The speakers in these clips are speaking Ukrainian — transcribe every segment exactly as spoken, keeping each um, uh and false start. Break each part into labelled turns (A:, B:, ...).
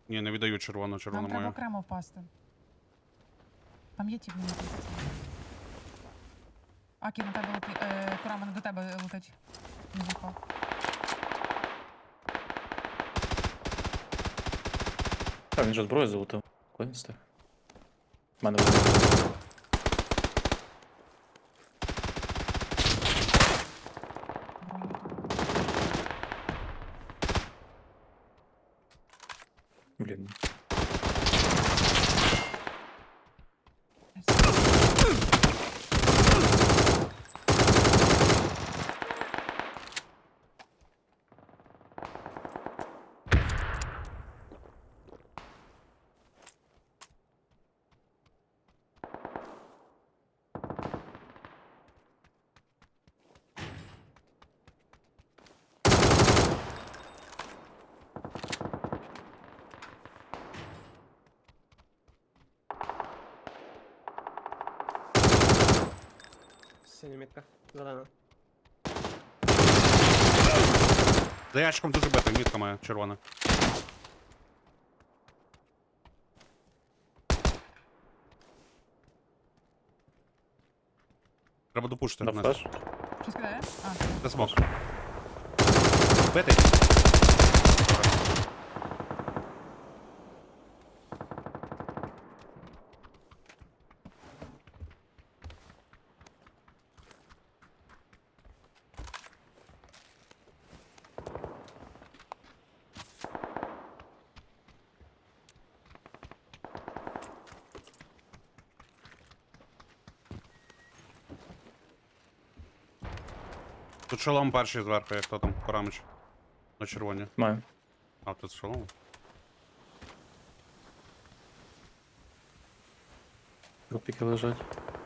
A: Ні, не віддаю червону,
B: Нам
A: червону
B: треба
A: мою.
B: окремо впасти. Там є тіп, мені здається. Акі, на тебе летить. Е, Курама, не до тебе летить. Не випав.
C: Так, він же зброю залутав. Куди він став? В мене вийде.
B: Броню.
C: Блін.
D: Синя мітка. Зелена.
A: За ящиком дуже битий, мітка моя, червона. Треба допушити.
C: На
A: Настя.
C: флеш.
B: Щось кидає? А,
A: Це смок. Битий. Тут шолом перший зверху, як то там, Корамич. На червоні.
C: Маю.
A: А, тут шолом.
C: Рупіки лежать.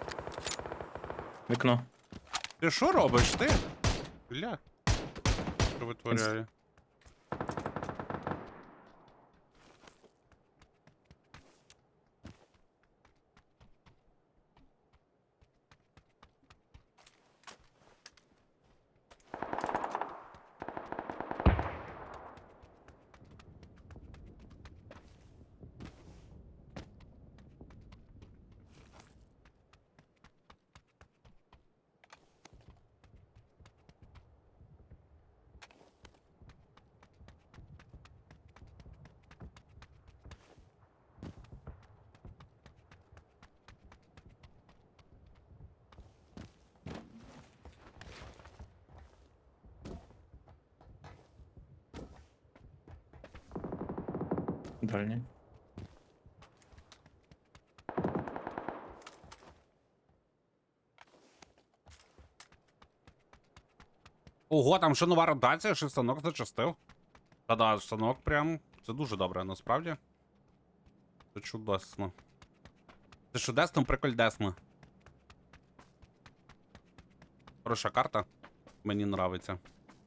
C: Вікно.
A: Ти що робиш, ти? Бля. Що витворяє?
C: Дальній.
A: Ого, там що нова ротація, що станок зачастив. Та-да, станок прям. Це дуже добре, насправді. Це чудесно. Це чудесно, прикольдесно. Хороша карта. Мені нравиться.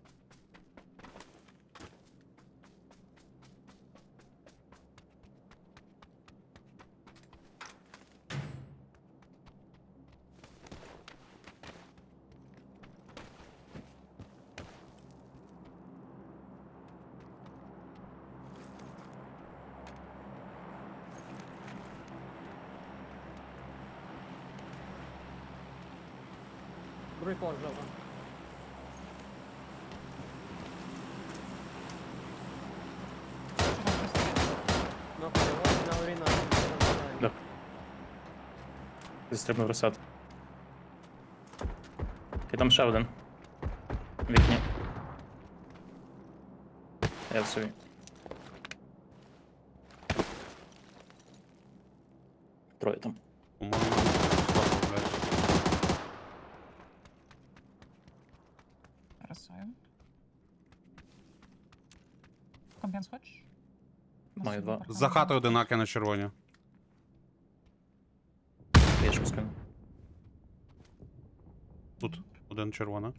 D: Другий поверх жовта. Ну, переводить на уріна.
C: Да. Застрибнув розсад. І там ще один. В вікні. Я в собі. Троє там.
A: По-моєму, слабо, блядь.
B: красою. Компенс хочеш?
C: Маю два.
A: За хатою одинаки на червоні.
C: Я ж скину.
A: Тут один червона.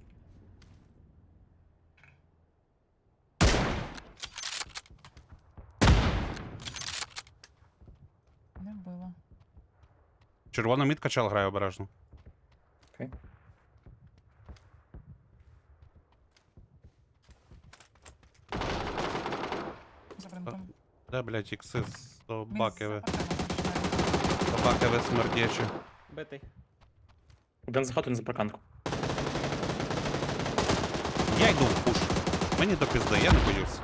B: Не вбила.
A: Червона мітка чел грає обережно.
C: Окей.
B: За бринком.
A: Де, блядь, ікси
B: Він
A: собаки ви.
B: з апаками починає.
A: Собаки ви смердячі.
D: Битий.
C: Один за хату, один за парканку.
A: Я йду в пуш. Мені до пізди, я не боюсь.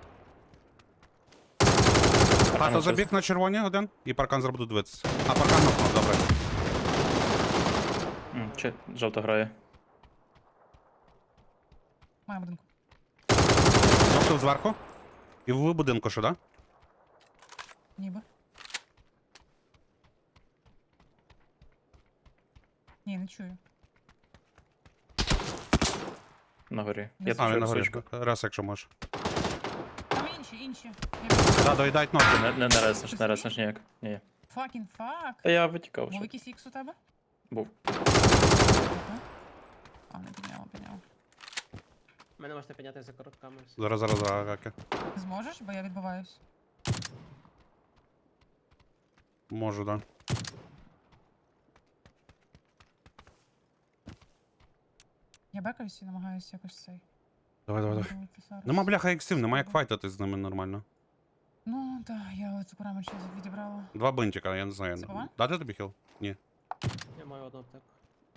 A: Хата
C: щось.
A: забіг на червоні один, і паркан зараз буду дивитися. А паркан нокнув, добре.
C: М, Чи жовта грає.
B: Має будинку.
A: Нокнув зверху. І в будинку що, да?
B: Ніби. Ні, не чую.
C: На горі.
B: Не
C: Я
A: А, він
C: тут
A: на горі.
C: свічку.
A: Раз, якщо можеш.
B: Там інші, інші.
A: Да, доїдать ногти.
C: Не, не, не резнеш, не резнеш ніяк. Ні.
B: Факін фак.
C: Та я витікав
B: Був
C: ще.
B: якийсь ікс у тебе?
C: Був.
B: Ага. А, не підняла, підняла.
D: Мене можете підняти за коротками.
A: Зараз, зараз, зараз, Аки.
B: Зможеш, бо я відбиваюсь.
A: Можу, да.
B: Я бекаюсь і намагаюся якось цей.
A: Давай, давай, давай.
B: вибивати зараз.
A: Нема бляха іксів, нема як файтити з ними нормально.
B: Ну, так, я оцю парамочку відібрала.
A: Два бинтика, я не знаю.
B: Це погано?
A: Дати тобі хіл? Ні.
D: Я маю одну аптеку.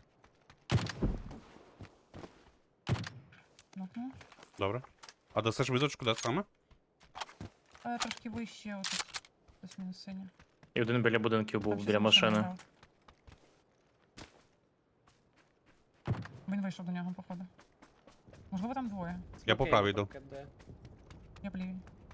B: Ну-ну.
A: Добре. А дасиш візочку, де саме?
B: Е, трошки вище, отут. Плюс-мінус синя.
C: І один біля будинків був,
B: Там щось
C: біля
B: машина
C: машини.
B: грала. Він вийшов до нього, походу. Можливо, там двоє.
A: Я по
D: Окей,
A: правій йду.
D: поки де.
B: Я по лівій.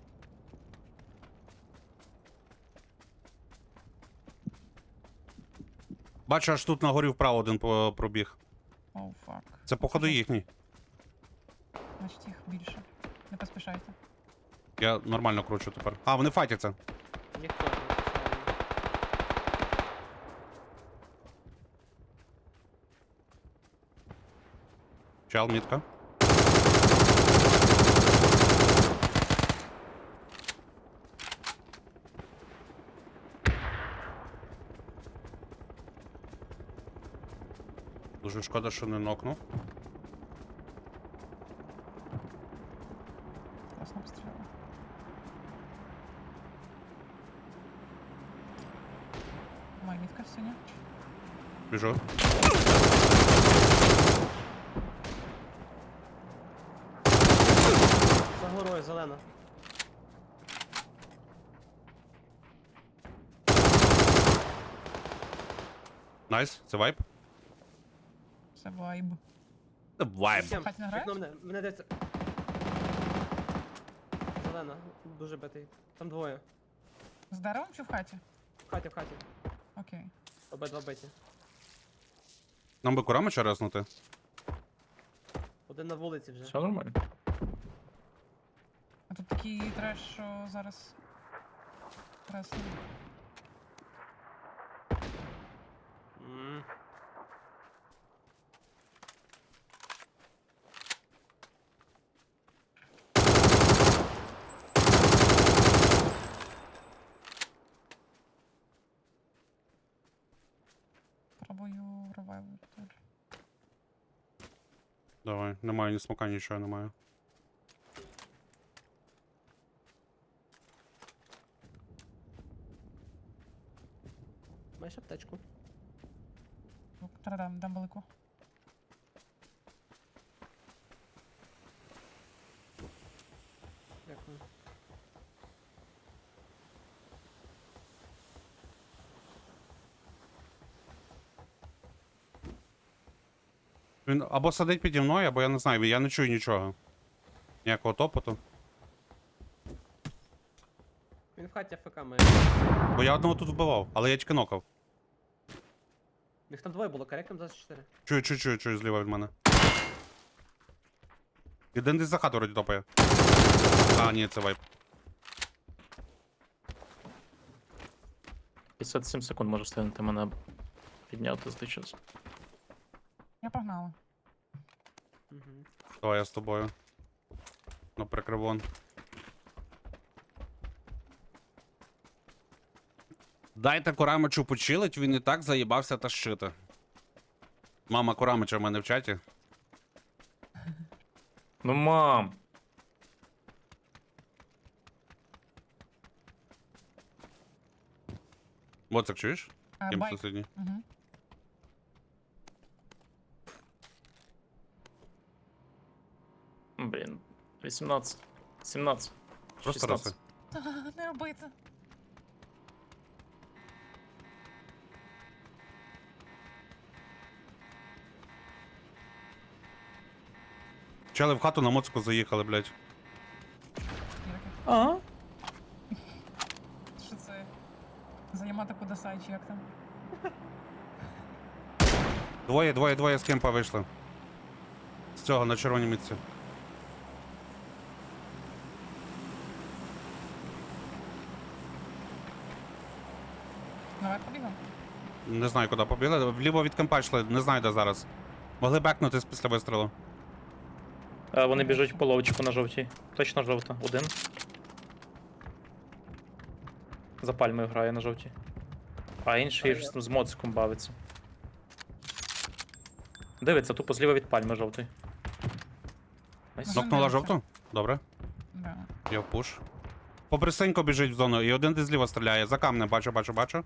A: Бачу, аж тут на горі вправо один по- пробіг.
B: Оу, фак.
A: Це походу їхній.
B: Значить їх більше. Не поспішайте.
A: Я нормально кручу тепер. А, вони файтяться.
D: Ніхто не зустрічає.
A: Чел, мітка. Дуже шкода, що не нокнув.
B: Класно постріляла. Моя мітка синя.
A: Біжу.
D: За горою зелена.
A: Найс, це вайп.
B: Це вайб.
A: Це вайп.
D: Вікем,
B: Хаті награють?
D: вікно мене, мене десь... Зелена, дуже битий. Там двоє.
B: З деревом чи в хаті?
D: В хаті, в хаті.
B: Окей.
D: Обидва биті.
A: Нам би курамича резнути.
D: Один на вулиці вже.
C: Все нормально.
B: А тут такий треш, що зараз. Пресно.
D: М.
B: Пробую ревайвер.
A: Давай, немає ні смока, нічого немає.
D: Маєш аптечку?
B: Дам, дам велику.
D: Дякую.
A: Він або сидить піді мною, або я не знаю, я не чую нічого. Ніякого топоту.
D: Він в хаті АФК має.
A: Бо я одного тут вбивав, але я тільки нокав.
D: Їх там двоє було, кареком двадцять чотири.
A: Чую, чую, чую, чую зліва від мене. Один десь за хату вроді топає. А, ні, це вайп.
C: п'ятдесят сім секунд може встигнути мене підняти за той час.
B: Я погнала.
D: Угу.
A: Давай я з тобою. Ну, прикривон. Дайте Курамичу почилить, він і так заїбався тащити. Мама Курамича в мене в чаті.
C: Ну мам!
A: Боцик, чуєш?
B: А,
A: Ким
B: байк.
A: сусідній.
B: Угу.
C: Блін. вісімнадцять. сімнадцять.
A: Просто
C: шістнадцять.
A: роси.
B: Не роби це.
A: Чели в хату на моцику заїхали, блядь.
B: Ірки.
C: Ага.
B: Що це? Заямати Кудасай, чи як там?
A: Двоє, двоє, двоє з кемпа вийшли. З цього на червоній мітці.
B: Наверх побігав?
A: Не знаю, куди побігли. Вліво від кемпа йшли, не знаю, де зараз. Могли бекнутись після вистрілу.
C: А, вони біжуть по ловчику на жовтій. Точно жовта. Один. За пальмою грає на жовтій. А інший ж з моциком бавиться. Дивиться, тупо зліва від пальми жовтої. Найс.
B: Ну,
A: Нокнула
B: дивиться.
A: жовту? Добре.
B: Да.
A: Я в пуш. Побрисенько біжить в зону, і один десь зліва стріляє. За камнем, бачу, бачу, бачу.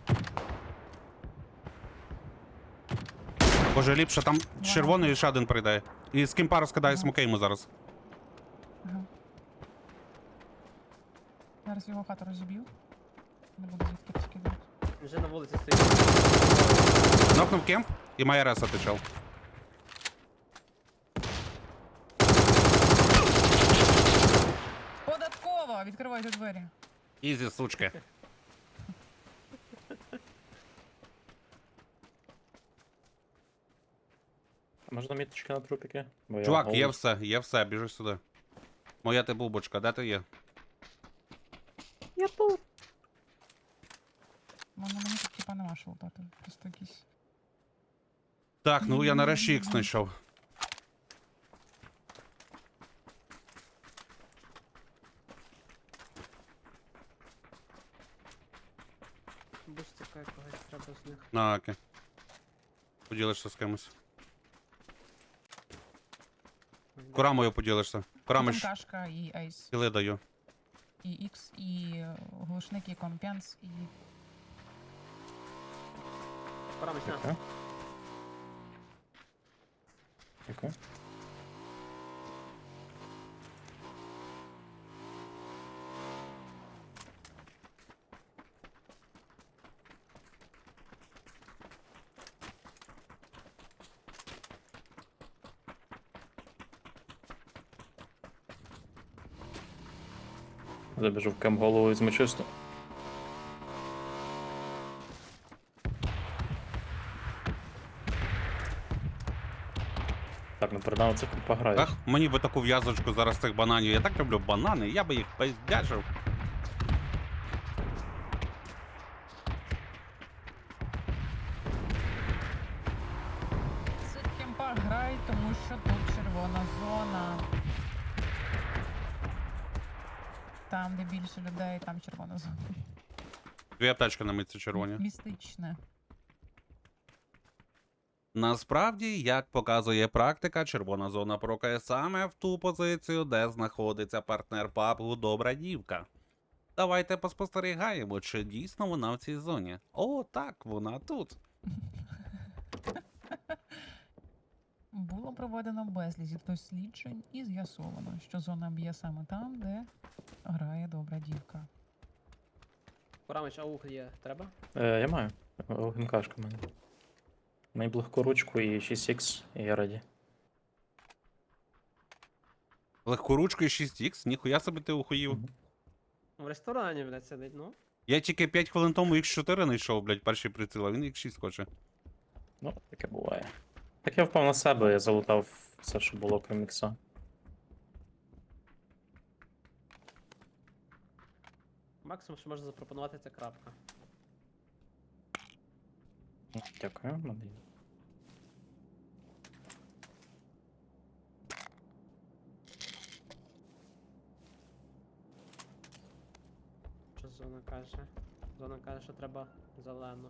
A: Боже, ліпше там червоний і ще один прийде. І з кемпа розкидає
B: Ага.
A: смоки йому зараз.
B: Ага. Зараз його хату розіб'ю. Не буду звідки скидати.
D: Він вже на вулиці стоїть.
A: Нокнув кемп і має реса течел.
B: Податкова! Відкривайте двері.
A: Ізі, сучки.
C: А можна міточки на трупіки? Бо я
A: Чувак,
C: голий.
A: є все, є все, біжи сюди. Моя ти бубочка, де ти є?
C: Я тут.
B: Ну, ну, мені тут типа нема що лутати. Просто якісь.
A: Так, ну я нарешті їх знайшов.
D: Бустика якогось треба з них.
A: На оке. Поділишся з кимось. Курамою поділишся. Курами
B: Там
A: ж
B: кашка і ейс,
A: кіли даю.
B: і ікс, і е, глушник, і компенс, і.
D: Пора місця.
C: Дякую. Дякую. Забіжу в кем голову і змочисту. Так, ну передав це пограєш.
A: Ах, мені би таку в'язочку зараз цих бананів. Я так люблю банани, я би їх пиздячив.
B: Це кемпа грай, тому що тут червона зона. Там, де більше людей, там червона зона.
A: Дві аптечки на митці червоні.
B: Містичне.
A: Насправді, як показує практика, червона зона прокає саме в ту позицію, де знаходиться партнер пабгу Добра Дівка. Давайте поспостерігаємо, чи дійсно вона в цій зоні. О, так, вона тут.
B: Було проведено безліч досліджень і з'ясовано, що зона б'є саме там, де грає добра дівка.
D: Порамич, аух є. Треба?
C: Е, я маю. ГМКшка в мене. Найблегку ручку і шість ікс, і я раді.
A: Легкоручкою шість ікс, ніхуя собі ти ухоїв.
C: Мгм.
D: В ресторані, блядь, сидить, ну.
A: Я тільки п'ять хвилин тому ікс чотири знайшов, блядь, перший приціл, а він ікс шість хоче.
C: Ну, таке буває. Так я впав на себе, я залутав все, що було крім ікса.
D: Максимум, що можна запропонувати, це крапка.
C: Дякую, мене є.
D: Що зона каже? Зона каже, що треба зелено.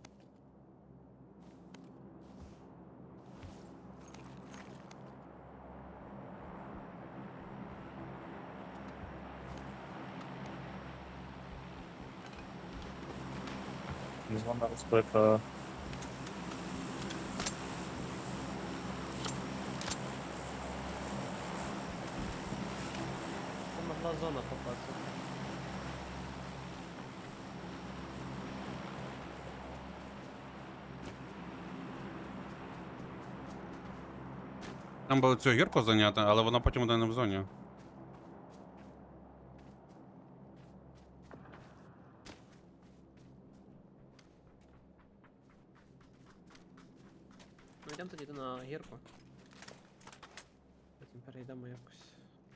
C: Зона розбита.
D: Там могла зона попасти.
A: Там було цю гірку зайняти, але вона потім буде не в зоні.
D: Ну йдемо тоді на гірку. Потім перейдемо якось.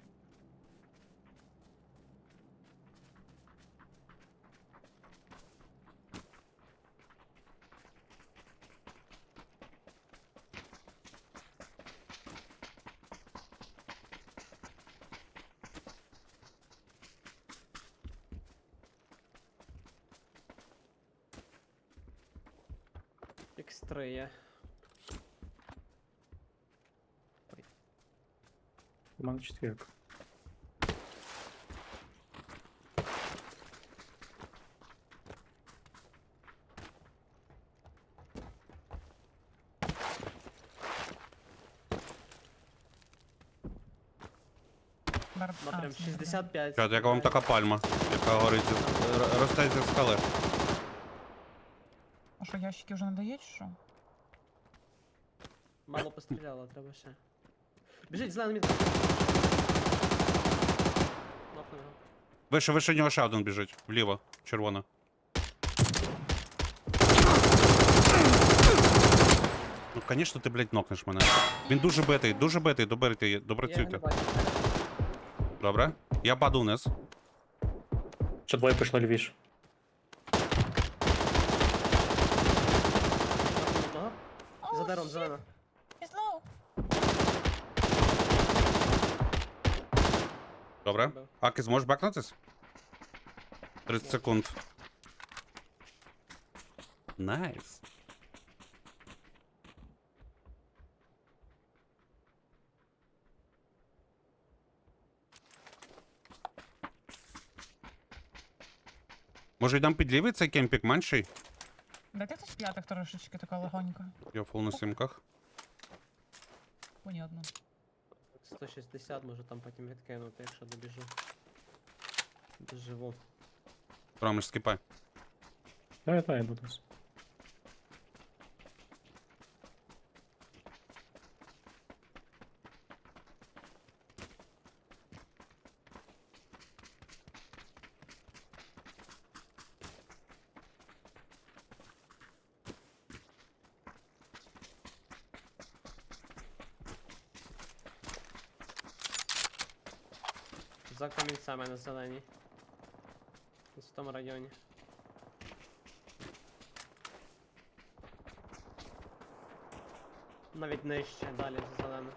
D: ікс три є.
C: У мене четвірка.
B: Бар...
D: Ну
B: а,
D: прям
B: це не
D: шістдесят п'ять.
A: Чат, яка вам така пальма, яка горить, зі- р- росте зі скали.
B: добре. А що, ящики вже не дають, чи що?
D: Мало постріляло, треба ще. Біжить, зелений мід. Нокнув його.
A: Вище, вище нього ще один біжить. Вліво, червона. Ну, звісно, ти, блядь, нокнеш мене. Він дуже битий, дуже битий, доберіть,
D: Я його не
A: допрацюйте.
D: бачу.
A: Добре? Я паду вниз.
C: Ще двоє пішло лівіше.
D: Нокнув одного. За деревом зелена.
B: He's low.
A: Добре.
D: Бив.
A: Аки, зможеш бекнутись? тридцять секунд. Найс. Може йдемо під лівий цей кемпік менший?
B: Дайте хтось п'ятих трошечки, така легонька.
A: Я фул на сімках.
B: Понятно.
D: сто шістдесят, може там потім відкинути, якщо добіжу. Доживу.
A: Ромиш, скіпай.
C: Давай, давай, йду десь.
D: За камінцями на зеленій. Ось в тому районі. Навіть нижче, далі за зелену.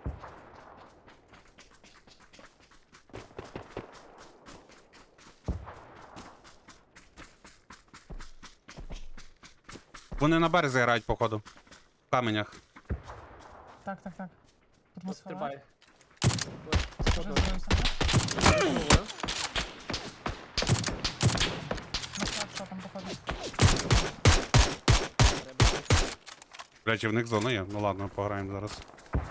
A: Вони на березі грають, походу. В каменях.
B: Так, так, так. Тут
D: Тут
B: мус
D: стрибає.
B: Вже здоровся. На склад, що там походу.
A: Блять, і в них зона є. Ну ладно, пограємо зараз.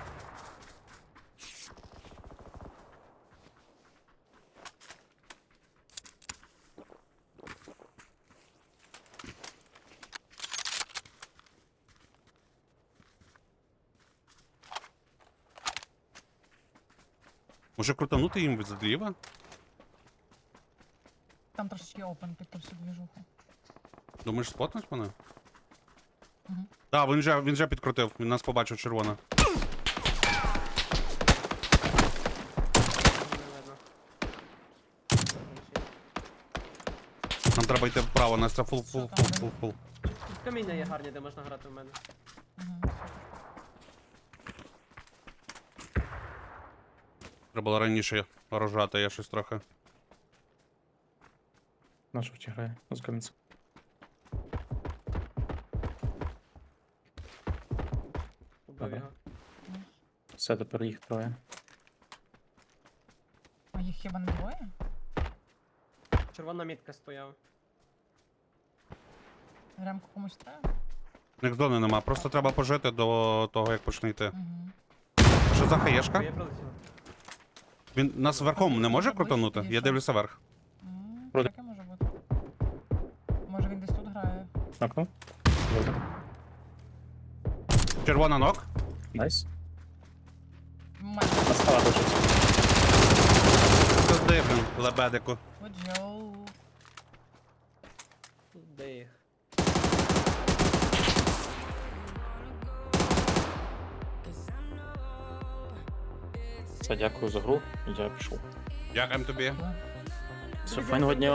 A: Може крутанути їм зліва?
B: Там трошечки опен під ту всю двіжуху.
A: Думаєш, спотнуть мене?
B: Угу.
A: Так, він вже, він вже підкрутив, він нас побачив червона.
D: Не видно.
A: Нам треба йти вправо, Настя, фул, фул, фул, фул, фул.
D: Тут каміння є гарні, де можна грати в мене.
B: Угу, супер.
A: Треба було раніше рожати, я щось трохи.
C: На жовті грає, з камінця.
D: Убив
C: Добре.
D: його.
B: Найс.
C: Все, тепер їх троє.
B: А їх хіба не двоє?
D: Червона мітка стояв.
B: Ремку комусь треба?
A: У них зони нема, просто треба пожити до того, як почне йти.
B: Угу.
A: Що за
D: Я
A: хаєшка?
D: прилетів.
A: Він нас верхом не може
B: Ближче
A: крутанути? Я
B: підійшов.
A: дивлюся вверх.
C: Проти.
B: Таке може бути. Може він десь тут грає.
C: Окно. Добре.
A: Червона ног.
C: Найс.
B: Майже
C: На скала точиться.
A: Пизди, блін, лебедику.
B: поджоу.
D: Де їх?
C: Все, дякую за гру. Я пішов.
A: Дякуємо тобі.
C: Все, файного дня.